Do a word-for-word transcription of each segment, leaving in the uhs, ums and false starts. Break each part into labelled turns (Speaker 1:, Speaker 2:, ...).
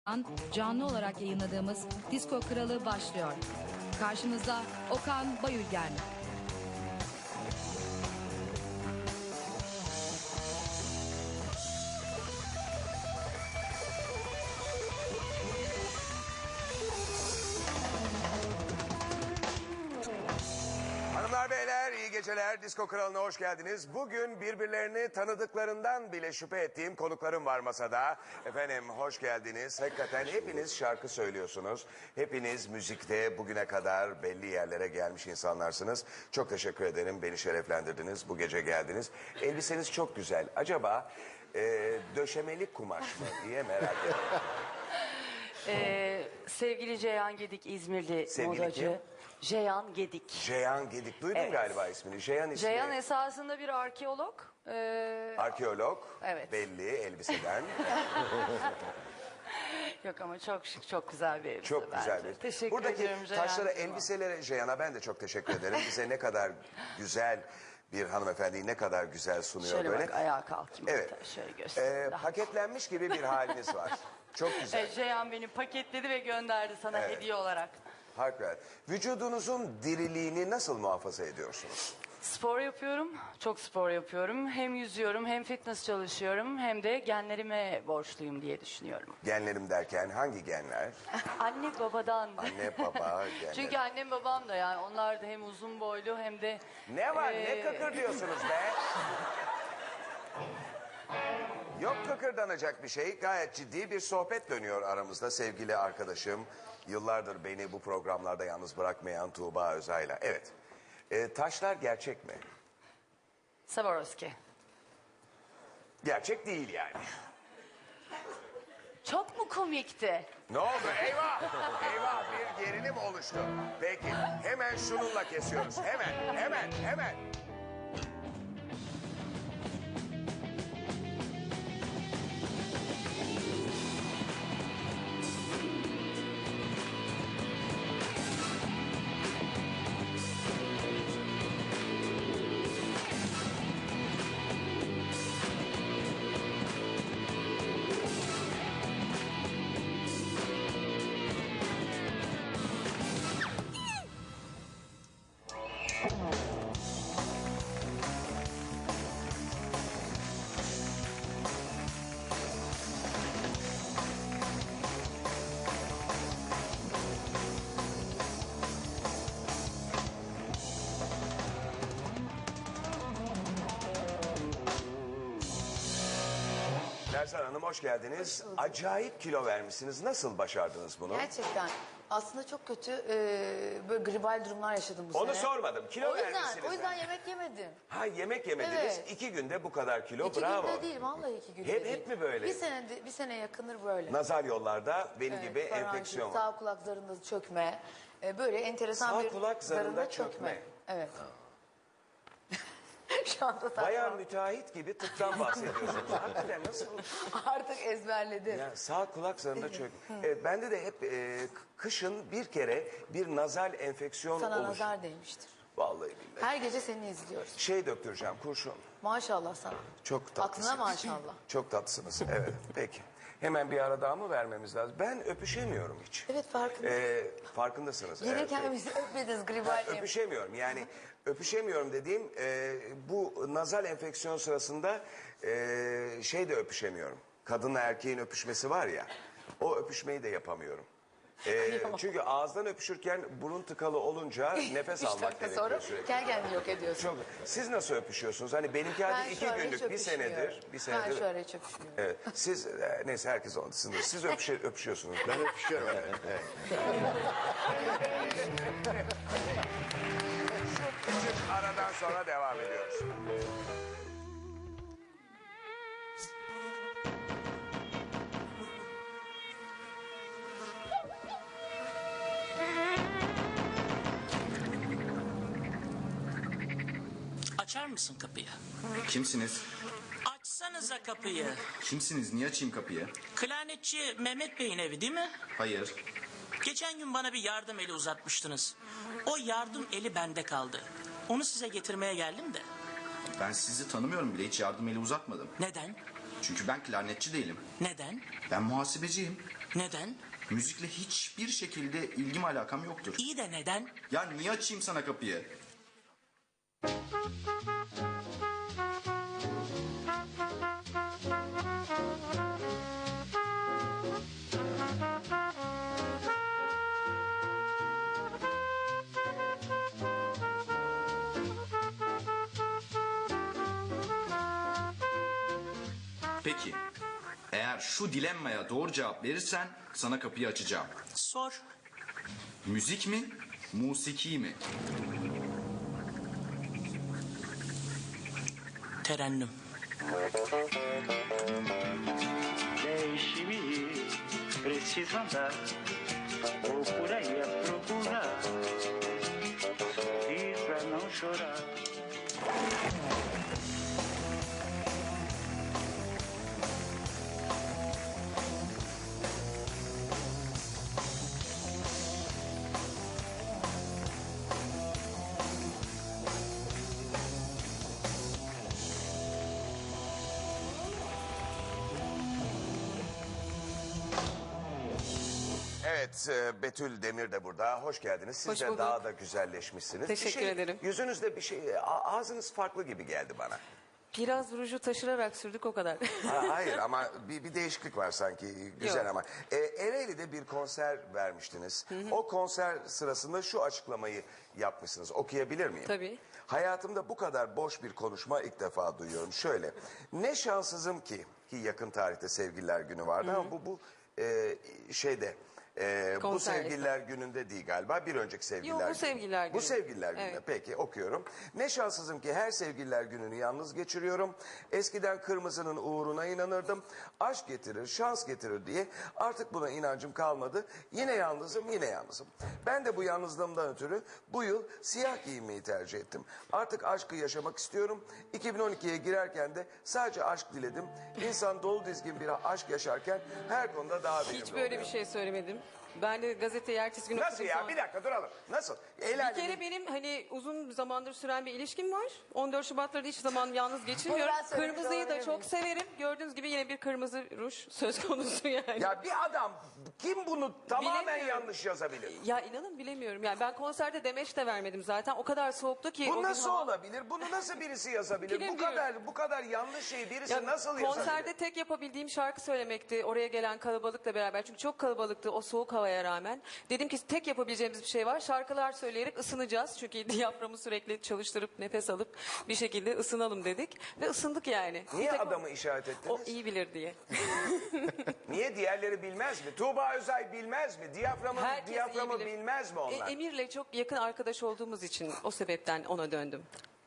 Speaker 1: An canlı olarak yayınladığımız Disko Kralı başlıyor. Karşımızda Okan Bayülgen.
Speaker 2: Hanımlar beyler iyi geceler. Disko Kralı'na hoş geldiniz. Bugün birbirlerini tanıdıklarından bile şüphe ettiğim konuklarım var masada. Efendim hoş geldiniz. Hakikaten hepiniz şarkı söylüyorsunuz. Hepiniz müzikte bugüne kadar belli yerlere gelmiş insanlarsınız. Çok teşekkür ederim. Beni şereflendirdiniz. Bu gece geldiniz. Elbiseniz çok güzel. Acaba e, döşemelik kumaş mı diye merak ediyorum.
Speaker 3: Ee, sevgili Ceyhan Gedik, İzmirli
Speaker 2: Sevgili
Speaker 3: modacı.
Speaker 2: kim?
Speaker 3: Ceyhan Gedik.
Speaker 2: Ceyhan Gedik. Duydum
Speaker 3: Evet.
Speaker 2: galiba ismini. Ceyhan ismi.
Speaker 3: Ceyhan esasında bir arkeolog. Ee,
Speaker 2: Arkeolog.
Speaker 3: Evet.
Speaker 2: Belli elbiseden.
Speaker 3: yok ama çok şık, çok güzel bir elbise
Speaker 2: Çok güzel
Speaker 3: bence.
Speaker 2: bir.
Speaker 3: Teşekkür
Speaker 2: Buradaki
Speaker 3: ediyorum Ceyhan.
Speaker 2: taşlara, elbiselere, Ceyhan'a ben de çok teşekkür ederim. Bize ne kadar güzel bir hanımefendiyi ne kadar güzel sunuyor
Speaker 3: Şöyle
Speaker 2: böyle.
Speaker 3: bak ayağa kalkayım.
Speaker 2: Evet.
Speaker 3: hatta, Şöyle göstereyim.
Speaker 2: Ee,
Speaker 3: daha.
Speaker 2: paketlenmiş gibi bir haliniz var. Çok güzel.
Speaker 3: Evet, Ceyhan beni paketledi ve gönderdi sana
Speaker 2: Evet.
Speaker 3: hediye olarak.
Speaker 2: Harikulade. Vücudunuzun diriliğini nasıl muhafaza ediyorsunuz?
Speaker 3: Spor yapıyorum, çok spor yapıyorum. Hem yüzüyorum, hem fitness çalışıyorum, hem de genlerime borçluyum diye düşünüyorum.
Speaker 2: Genlerim derken hangi genler?
Speaker 3: Anne babadan.
Speaker 2: Anne, baba, genler.
Speaker 3: Çünkü annem babam da yani onlar da hem uzun boylu hem de...
Speaker 2: Ne var? Ne
Speaker 3: Ee,
Speaker 2: kıkır diyorsunuz be? Yok kıkırdanacak bir şey. Gayet ciddi bir sohbet dönüyor aramızda sevgili arkadaşım. Yıllardır beni bu programlarda yalnız bırakmayan Tuğba Özay'la. Evet. Ee, taşlar gerçek mi?
Speaker 3: Swarovski.
Speaker 2: Gerçek değil yani.
Speaker 3: Çok mu komikti?
Speaker 2: Ne oldu? Eyvah! Eyvah bir gerilim oluştu. Peki hemen şununla kesiyoruz. Hemen, hemen, hemen. Lerzan Hanım hoş geldiniz. Acayip kilo vermişsiniz. Nasıl başardınız bunu?
Speaker 4: Gerçekten. Aslında çok kötü e, böyle gribal durumlar yaşadım bu
Speaker 2: Onu
Speaker 4: sene.
Speaker 2: sormadım. Kilo
Speaker 4: o yüzden,
Speaker 2: vermişsiniz.
Speaker 4: o yüzden
Speaker 2: ben.
Speaker 4: yemek yemedim.
Speaker 2: Ha yemek yemediniz.
Speaker 4: Evet.
Speaker 2: İki günde bu kadar kilo.
Speaker 4: İki
Speaker 2: Bravo.
Speaker 4: günde değil, vallahi iki günde
Speaker 2: Hep-
Speaker 4: değil.
Speaker 2: hep mi böyle?
Speaker 4: Bir sene, bir sene yakındır böyle.
Speaker 2: Nazar yollarda benim
Speaker 4: Evet,
Speaker 2: gibi
Speaker 4: faranjit,
Speaker 2: enfeksiyon var.
Speaker 4: Sağ kulak zarında çökme. E, böyle enteresan
Speaker 2: Sağ
Speaker 4: bir
Speaker 2: kulak zarında çökme.
Speaker 4: Evet. Şu anda saçma.
Speaker 2: Bayağı müteahhit gibi tıptan bahsediyorsunuz. Hakikaten nasıl?
Speaker 4: Artık ezberledim.
Speaker 2: Ya sağ kulak zarında çök. Evet, bende de hep e, kışın bir kere bir nazal enfeksiyon
Speaker 4: Sana
Speaker 2: olur.
Speaker 4: nazar değmiştir.
Speaker 2: Vallahi billahi.
Speaker 4: Her gece seni izliyoruz.
Speaker 2: Şey döktüreceğim kurşun.
Speaker 4: Maşallah sana.
Speaker 2: Çok tatlısınız.
Speaker 4: Aklına maşallah.
Speaker 2: Çok tatlısınız. Evet peki. Hemen bir ara daha mı vermemiz lazım? Ben öpüşemiyorum hiç.
Speaker 4: Evet, farkındayım.
Speaker 2: Ee, farkındasınız.
Speaker 4: Gelirken
Speaker 2: evet.
Speaker 4: bizi öpmediniz gribal.
Speaker 2: Ha, öpüşemiyorum. Yani öpüşemiyorum dediğim e, bu nazal enfeksiyon sırasında e, şey de öpüşemiyorum. Kadınla erkeğin öpüşmesi var ya. O öpüşmeyi de yapamıyorum. E, çünkü ağızdan öpüşürken burun tıkalı olunca nefes
Speaker 4: Üç
Speaker 2: almak
Speaker 4: dakika
Speaker 2: gerekiyor
Speaker 4: sonra
Speaker 2: sürekli.
Speaker 4: gel kendini yok ediyorsun.
Speaker 2: Çok. Siz nasıl öpüşüyorsunuz? Hani benimki
Speaker 4: Ben
Speaker 2: hadi
Speaker 4: şu
Speaker 2: iki
Speaker 4: ara hiç
Speaker 2: günlük bir
Speaker 4: öpüşmüyorum.
Speaker 2: senedir. Bir senedir.
Speaker 4: Ben şu ara hiç öpüşmüyorum.
Speaker 2: Evet. Siz e, neyse herkes oldu. Siz, siz öpüşe, öpüşüyorsunuz. Ben öpüşüyorum. Evet. evet. Şu küçük aradan sonra devam ediyoruz.
Speaker 5: Açar mısın kapıyı?
Speaker 6: Kimsiniz?
Speaker 5: Açsanıza kapıyı.
Speaker 6: Kimsiniz? Niye açayım kapıyı?
Speaker 5: Klarnetçi Mehmet Bey'in evi değil mi?
Speaker 6: Hayır.
Speaker 5: Geçen gün bana bir yardım eli uzatmıştınız. O yardım eli bende kaldı. Onu size getirmeye geldim de.
Speaker 6: Ben sizi tanımıyorum bile, hiç yardım eli uzatmadım.
Speaker 5: Neden?
Speaker 6: Çünkü ben klarnetçi değilim.
Speaker 5: Neden?
Speaker 6: Ben muhasebeciyim.
Speaker 5: Neden?
Speaker 6: Müzikle hiçbir şekilde ilgim alakam yoktur.
Speaker 5: İyi de neden?
Speaker 6: Ya niye açayım sana kapıyı? Peki, eğer şu dilemmaya doğru cevap verirsen sana kapıyı açacağım.
Speaker 5: Sor.
Speaker 6: Müzik mi, musiki mi?
Speaker 5: Terennüm.
Speaker 7: Deixe-me ir, preciso andar, vou por aí a procurar, sorrir pra não chorar.
Speaker 2: Evet, e, Betül Demir de burada. Hoş geldiniz. Siz
Speaker 8: Hoş
Speaker 2: de
Speaker 8: bulduk.
Speaker 2: daha da güzelleşmişsiniz. Bir
Speaker 8: Teşekkür
Speaker 2: şey-
Speaker 8: ederim.
Speaker 2: Yüzünüzde bir şey, a- ağzınız farklı gibi geldi bana.
Speaker 8: Biraz ruju taşırarak sürdük o kadar.
Speaker 2: Ha, hayır ama bir, bir değişiklik var sanki. Güzel
Speaker 8: Yok.
Speaker 2: ama. E, Ereğli'de bir konser vermiştiniz. O konser sırasında şu açıklamayı yapmışsınız. Okuyabilir miyim?
Speaker 8: Tabii.
Speaker 2: Hayatımda bu kadar boş bir konuşma ilk defa duyuyorum. Şöyle, ne şanssızım ki, ki yakın tarihte Sevgililer Günü vardı ama bu bu e, şeyde... e, bu
Speaker 8: Konser
Speaker 2: Sevgililer Günü'nde değil galiba, bir önceki Sevgililer
Speaker 8: Yok, bu
Speaker 2: Günü.
Speaker 8: Sevgililer
Speaker 2: Bu
Speaker 8: Günü.
Speaker 2: Sevgililer Günü.
Speaker 8: Evet.
Speaker 2: Peki, okuyorum. Ne şanssızım ki her Sevgililer Günü'nü yalnız geçiriyorum. Eskiden kırmızının uğruna inanırdım. Aşk getirir, şans getirir diye artık buna inancım kalmadı. Yine yalnızım, yine yalnızım. Ben de bu yalnızlığımdan ötürü bu yıl siyah giyinmeyi tercih ettim. Artık aşkı yaşamak istiyorum. iki bin on ikiye girerken de sadece aşk diledim. İnsan dolu dizgin bir aşk yaşarken her konuda daha verimli
Speaker 8: Hiç böyle
Speaker 2: oluyor.
Speaker 8: bir şey söylemedim. Ben de gazeteyi ertesi gün
Speaker 2: Nasıl
Speaker 8: okudum
Speaker 2: ya?
Speaker 8: sonra.
Speaker 2: Bir dakika duralım. Nasıl? El
Speaker 8: Bir
Speaker 2: alemin-
Speaker 8: kere benim hani uzun zamandır süren bir ilişkim var. on dört Şubat'ları hiç zaman yalnız geçirmiyorum.
Speaker 4: Bunu ben söylemiş
Speaker 8: Kırmızıyı da
Speaker 4: olabilir
Speaker 8: çok
Speaker 4: miyim?
Speaker 8: severim. Gördüğünüz gibi yine bir kırmızı ruj söz konusu yani. Ya,
Speaker 2: Ya bir adam kim bunu tamamen
Speaker 8: Bilemiyorum.
Speaker 2: yanlış yazabilir?
Speaker 8: inanın bilemiyorum. Yani ben konserde demeç de vermedim zaten. O kadar soğuktu ki. o
Speaker 2: Bu
Speaker 8: gün
Speaker 2: nasıl
Speaker 8: hava-
Speaker 2: olabilir? Bunu nasıl birisi yazabilir? Bu
Speaker 8: Bilemiyorum.
Speaker 2: kadar bu kadar yanlış şeyi birisi
Speaker 8: Ya
Speaker 2: nasıl
Speaker 8: konserde
Speaker 2: yazabilir?
Speaker 8: tek yapabildiğim şarkı söylemekti. Oraya gelen kalabalıkla beraber. Çünkü çok kalabalıktı o soğuk havaya rağmen. Dedim ki tek yapabileceğimiz bir şey var. Şarkılar söyleyerek ısınacağız. Çünkü diyaframı sürekli çalıştırıp nefes alıp bir şekilde ısınalım dedik. Ve ısındık yani.
Speaker 2: Niye
Speaker 8: Bir tek o-
Speaker 2: adamı işaret ettiniz?
Speaker 8: O iyi bilir diye.
Speaker 2: Niye diğerleri bilmez mi? Tuğba Özay bilmez mi? Diyaframı,
Speaker 8: Herkes iyi
Speaker 2: diyaframı
Speaker 8: bilir.
Speaker 2: bilmez mi
Speaker 8: E,
Speaker 2: onlar?
Speaker 8: Emir'le çok yakın arkadaş olduğumuz için o sebepten ona döndüm.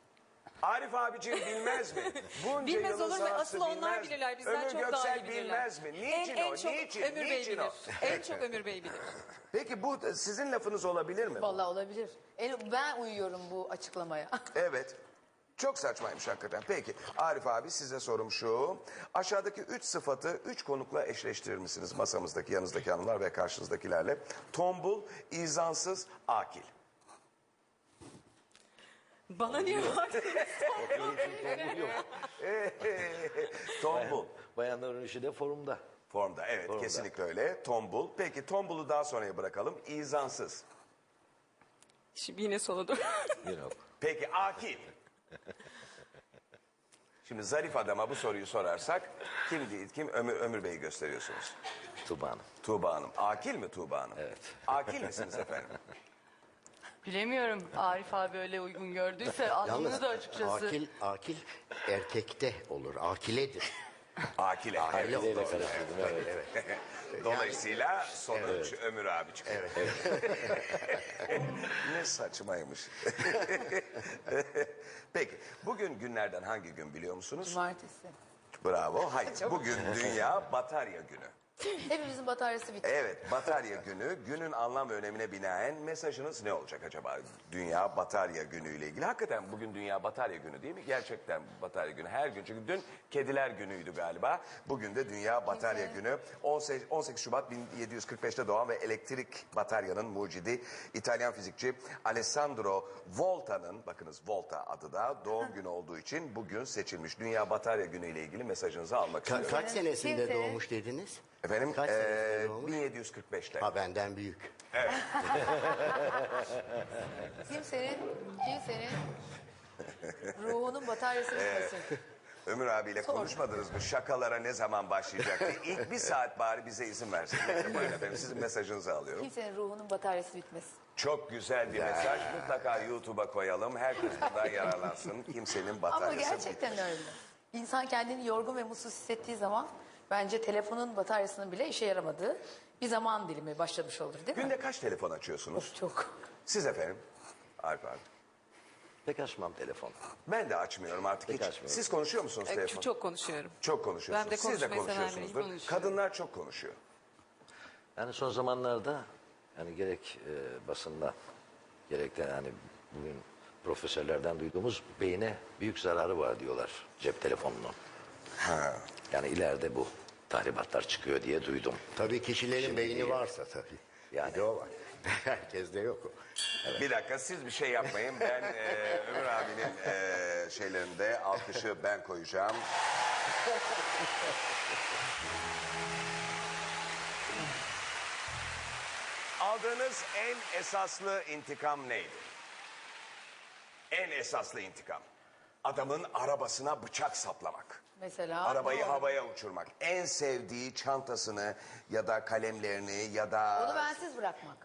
Speaker 2: Arif abicim bilmez mi? Bunca
Speaker 8: Bilmez
Speaker 2: yılın
Speaker 8: olur mu?
Speaker 2: sanatçısı
Speaker 8: Asıl onlar
Speaker 2: bilmez mi?
Speaker 8: bilirler. Bizden
Speaker 2: Ömür
Speaker 8: çok daha
Speaker 2: Göksel
Speaker 8: iyi bilirler.
Speaker 2: bilmez mi? Niçin
Speaker 8: en, en
Speaker 2: o?
Speaker 8: çok
Speaker 2: Niçin?
Speaker 8: Ömür Bey
Speaker 2: Niçin
Speaker 8: bilir.
Speaker 2: o?
Speaker 8: En çok Ömür Bey bilir.
Speaker 2: Peki bu sizin lafınız olabilir mi?
Speaker 4: Vallahi olabilir. En- Ben uyuyorum bu açıklamaya.
Speaker 2: Evet. Çok saçmaymış hakikaten. Peki Arif abi size sorum şu. Aşağıdaki üç sıfatı üç konukla eşleştirir misiniz? Masamızdaki, yanınızdaki hanımlar ve karşınızdakilerle. Tombul, izansız, akil.
Speaker 8: Bana niye var?
Speaker 2: Tombul.
Speaker 9: Bayanların işi de forumda.
Speaker 2: Formda evet
Speaker 9: Formda.
Speaker 2: kesinlikle öyle. Tombul. Peki tombulu daha sonraya bırakalım. İzansız.
Speaker 8: Şimdi yine sola dur.
Speaker 9: Yok.
Speaker 2: Peki akil. Şimdi zarif adama bu soruyu sorarsak kim değil kim Ömür, Ömür Bey'i gösteriyorsunuz.
Speaker 9: Tuba Hanım.
Speaker 2: Tuğba Hanım. Akil mi Tuğba Hanım?
Speaker 9: Evet.
Speaker 2: Akil misiniz efendim?
Speaker 3: Bilemiyorum. Arif abi öyle uygun gördüyse aslında da açıkçası.
Speaker 10: akil, akil erkekte olur. Akiledir.
Speaker 2: Akile.
Speaker 10: Akile
Speaker 2: Evet,
Speaker 9: Neyle
Speaker 2: doğru.
Speaker 9: karıştırdım evet.
Speaker 10: Evet.
Speaker 2: Dolayısıyla sonuç Ömür abi çıkıyor. Ne saçmaymış. Peki bugün günlerden hangi gün biliyor musunuz?
Speaker 4: Cumartesi.
Speaker 2: Bravo. Hayır. Bugün Dünya Batarya Günü.
Speaker 4: Hepimizin bataryası bitti.
Speaker 2: Evet, Batarya Günü. Günün anlam ve önemine binaen mesajınız ne olacak acaba? Dünya Batarya Günü ile ilgili. Hakikaten bugün Dünya Batarya Günü değil mi? Gerçekten Batarya Günü her gün. Çünkü dün Kediler Günü'ydü galiba. Bugün de Dünya Batarya Günü. on sekiz Şubat bin yedi yüz kırk beşte doğan ve elektrik bataryanın mucidi İtalyan fizikçi Alessandro Volta'nın, bakınız Volta adı da doğum günü olduğu için bugün seçilmiş. Dünya Batarya Günü ile ilgili mesajınızı almak
Speaker 10: Ka-
Speaker 2: istiyorum.
Speaker 10: kaç senesinde
Speaker 4: Kimse-
Speaker 10: doğmuş dediniz?
Speaker 2: Efendim? efendim.
Speaker 10: Kaç
Speaker 2: Ee,
Speaker 10: senesinde doğmuş?
Speaker 2: bin yedi yüz kırk beşte.
Speaker 10: Ha benden büyük.
Speaker 4: Kimsenin, kimsenin ruhunun bataryası bitmesin.
Speaker 2: Ömür abiyle konuşmadınız mı? Şakalara ne zaman başlayacak diye. İlk bir saat bari bize izin versin. Neyse, buyurun efendim, sizin mesajınızı alıyorum.
Speaker 4: Kimsenin ruhunun bataryası bitmesin.
Speaker 2: Çok güzel bir mesaj. Mutlaka YouTube'a koyalım. Herkes bundan yararlansın. Kimsenin
Speaker 4: Ama
Speaker 2: bataryası
Speaker 4: gerçekten öyle. İnsan kendini yorgun ve mutsuz hissettiği zaman bence telefonun bataryasının bile işe yaramadığı bir zaman dilimi başlamış olur değil mi?
Speaker 2: Günde kaç telefon açıyorsunuz?
Speaker 4: Çok.
Speaker 2: Siz efendim? Alp abi.
Speaker 9: Pek açmam telefon.
Speaker 2: Ben de açmıyorum artık
Speaker 9: Pek
Speaker 2: hiç.
Speaker 9: açmıyorum.
Speaker 2: Siz konuşuyor musunuz
Speaker 8: E,
Speaker 2: telefon?
Speaker 8: Çok konuşuyorum.
Speaker 2: Çok konuşuyorsunuz.
Speaker 8: Ben de
Speaker 2: Siz de
Speaker 8: konuşmayı seven biriyim,
Speaker 2: konuşuyorsunuzdur.
Speaker 3: konuşuyorum.
Speaker 2: Kadınlar çok konuşuyor.
Speaker 9: Yani son zamanlarda yani gerek e, basında gerek de yani bugün profesörlerden duyduğumuz beyne büyük zararı var diyorlar cep telefonunun.
Speaker 2: Ha.
Speaker 9: Yani ileride bu tahribatlar çıkıyor diye duydum.
Speaker 10: Tabii kişilerin
Speaker 9: Şimdi
Speaker 10: beyni
Speaker 9: iyi.
Speaker 10: varsa tabii.
Speaker 9: Yani.
Speaker 10: Bir de o var. Herkeste yok o.
Speaker 2: Bir dakika, siz bir şey yapmayın. Ben e, Ömür abinin e, şeylerinde alkışı ben koyacağım. Aldığınız en esaslı intikam neydi? En esaslı intikam. Adamın arabasına bıçak saplamak.
Speaker 4: Mesela.
Speaker 2: Arabayı
Speaker 4: doğru.
Speaker 2: havaya uçurmak. En sevdiği çantasını ya da kalemlerini ya da...
Speaker 4: Onu bensiz bırakmak.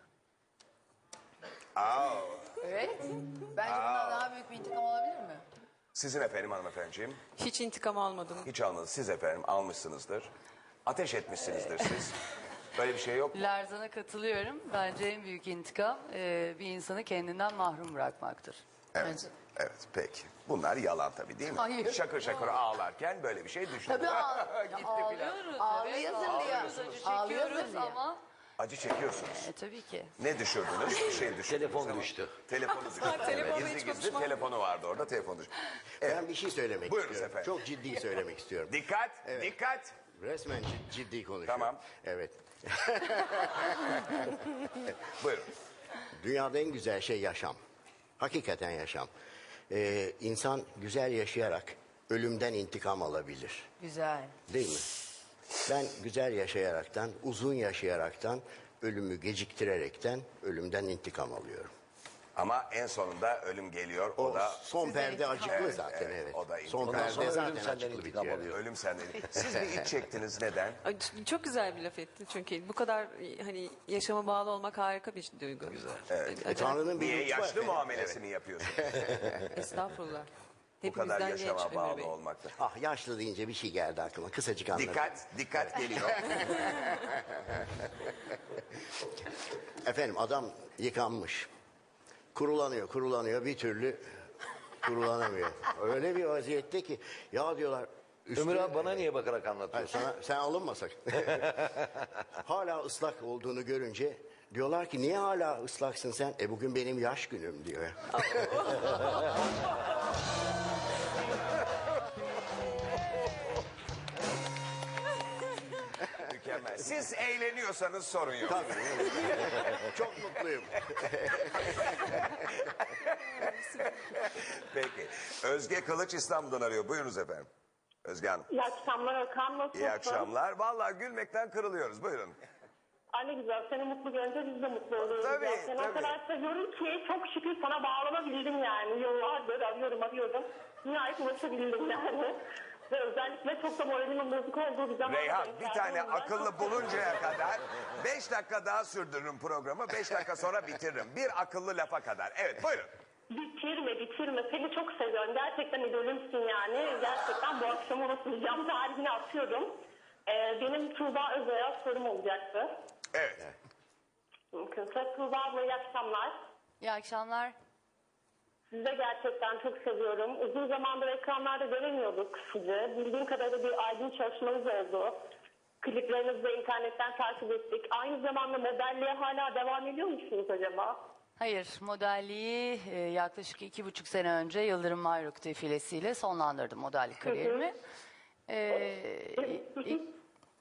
Speaker 2: Aa,
Speaker 4: Evet. Bence bundan daha büyük bir intikam olabilir mi?
Speaker 2: sizin efendim hanımefendiciğim.
Speaker 8: Hiç intikam almadım.
Speaker 2: Hiç almadınız. Siz efendim almışsınızdır. Ateş etmişsinizdir siz. Böyle bir şey yok mu?
Speaker 3: Lerzan'a katılıyorum. Bence en büyük intikam e, bir insanı kendinden mahrum bırakmaktır.
Speaker 2: Evet. Evet peki. Bunlar yalan tabii değil mi?
Speaker 4: Hayır.
Speaker 2: Şakır şakır ağlarken böyle bir şey düşündüm.
Speaker 4: Tabii ağ-
Speaker 2: Gitti
Speaker 4: ağlıyor.
Speaker 2: filan.
Speaker 3: Ağlıyoruz.
Speaker 4: Ağlayasın
Speaker 3: evet,
Speaker 4: diye.
Speaker 3: ağlıyoruz, acı
Speaker 4: Ağlıyorsun
Speaker 3: çekiyoruz
Speaker 4: diye.
Speaker 3: ama
Speaker 2: Acı çekiyorsunuz.
Speaker 3: e, tabii ki.
Speaker 2: Ne düşürdünüz? Bir şey düşürdünüz.
Speaker 9: Telefon
Speaker 2: ama-
Speaker 9: düştü.
Speaker 2: Telefonu düştü.
Speaker 8: Telefonla
Speaker 2: gizli
Speaker 8: hiç
Speaker 2: gizli
Speaker 8: konuşmam.
Speaker 2: telefonu vardı orada, telefon düştü.
Speaker 10: Ben bir şey söylemek
Speaker 2: Buyurun
Speaker 10: istiyorum.
Speaker 2: efendim.
Speaker 10: Çok ciddi söylemek istiyorum.
Speaker 2: Dikkat, dikkat.
Speaker 10: Resmen cid- ciddi konuşuyorum.
Speaker 2: Tamam.
Speaker 10: Evet.
Speaker 2: Buyurun.
Speaker 10: Dünyada en güzel şey yaşam. Hakikaten yaşam. Ee, insan güzel yaşayarak ölümden intikam alabilir.
Speaker 4: Güzel.
Speaker 10: Değil mi? Ben güzel yaşayaraktan, uzun yaşayaraktan, ölümü geciktirerekten ölümden intikam alıyorum.
Speaker 2: Ama en sonunda ölüm geliyor. O,
Speaker 10: O
Speaker 2: da
Speaker 10: son perde acıklı
Speaker 2: Evet,
Speaker 10: zaten
Speaker 2: evet,
Speaker 10: evet.
Speaker 2: o da
Speaker 10: Son
Speaker 2: intikam.
Speaker 9: Ondan
Speaker 10: perde
Speaker 9: sonra ölüm
Speaker 10: zaten
Speaker 9: senden
Speaker 10: acıklı
Speaker 9: intikam
Speaker 10: bitiyor.
Speaker 9: alıyor.
Speaker 2: ölüm sende. Siz bir iç çektiniz. Neden?
Speaker 8: Ay, ç- Çok güzel bir laf etti çünkü bu kadar e, hani yaşama bağlı olmak harika bir duygu. Güzel.
Speaker 2: Evet.
Speaker 10: E, Tanrı'nın bir
Speaker 2: Niye
Speaker 10: lütfu var.
Speaker 2: yaşlı muamelesi mi yapıyorsun?
Speaker 8: Estağfurullah.
Speaker 2: Bu kadar
Speaker 8: Hepimizden genç
Speaker 2: yaşama
Speaker 8: Ömür
Speaker 2: bağlı
Speaker 8: Bey.
Speaker 2: olmakta.
Speaker 10: Ah yaşlı deyince bir şey geldi aklıma. Kısacık anlatayım.
Speaker 2: Dikkat, dikkat geliyor.
Speaker 10: Efendim adam yıkanmış. Kurulanıyor, kurulanıyor bir türlü kurulanamıyor. Öyle bir vaziyette ki ya diyorlar.
Speaker 9: Ömür abi bana niye bakarak anlatıyorsun?
Speaker 10: Sana, sen alınma sakın. Hala ıslak olduğunu görünce diyorlar ki niye hala ıslaksın sen? E bugün benim yaş günüm diyor.
Speaker 2: Mükemmel. Siz eğleniyorsanız sorun yok.
Speaker 10: Tabii. Çok mutluyum.
Speaker 2: Peki. Özge Kılıç İstanbul'dan arıyor. Buyurunuz efendim. Özge Hanım.
Speaker 11: İyi akşamlar Okan. Nasılsın?
Speaker 2: İyi akşamlar. Vallahi gülmekten kırılıyoruz. Buyurun.
Speaker 11: Ay ne güzel. Seni mutlu görünce biz de mutlu oluyoruz.
Speaker 2: Tabii,
Speaker 11: ya. Seni
Speaker 2: tabii.
Speaker 11: o kadar seviyorum ki çok şükür sana bağlanabildim yani. Yıllardır arıyorum arıyordum. Nihayet ulaşabildim yani. Ve özellikle çok da moralimin bozuk olduğu bir zaman.
Speaker 2: Reyhan bir tane akıllı buluncaya kadar beş dakika daha sürdürürüm programı. Beş dakika sonra bitiririm. Bir akıllı lafa kadar. Evet buyurun.
Speaker 11: Bitirme bitirme. Seni çok seviyorum. Gerçekten idolümsün yani. Gerçekten bu akşam unutmayacağım. Tarihini atıyorum. Ee, benim Tuğba Özay'a sorum olacaktı.
Speaker 2: Evet.
Speaker 11: Mümkünse Tuğba abla iyi akşamlar.
Speaker 3: İyi akşamlar.
Speaker 11: Sizi de gerçekten çok seviyorum. Uzun zamandır ekranlarda göremiyorduk sizi. Bildiğim kadarıyla bir albüm çalışmanız oldu. Kliplerinizi de internetten takip ettik. Aynı zamanda modelliğe hala devam ediyor musunuz acaba?
Speaker 3: Hayır, modelliği e, yaklaşık iki buçuk sene önce Yıldırım Mayruk defilesiyle sonlandırdım modellik kariyerimi. E, i-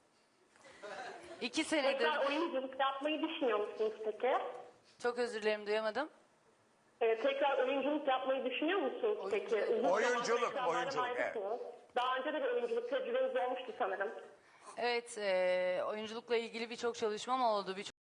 Speaker 3: iki senedir...
Speaker 11: Tekrar oyunculuk yapmayı düşünüyor musunuz peki?
Speaker 3: Çok özür dilerim, duyamadım.
Speaker 11: Ee, tekrar oyunculuk yapmayı düşünüyor musunuz peki? Uzun zamandır
Speaker 2: Oyunculuk,
Speaker 11: ekranlardan
Speaker 2: oyunculuk,
Speaker 11: ayrısınız. Daha önce de bir oyunculuk tecrübeniz olmuştu sanırım.
Speaker 3: Evet, e, oyunculukla ilgili birçok çalışmam oldu. Birçok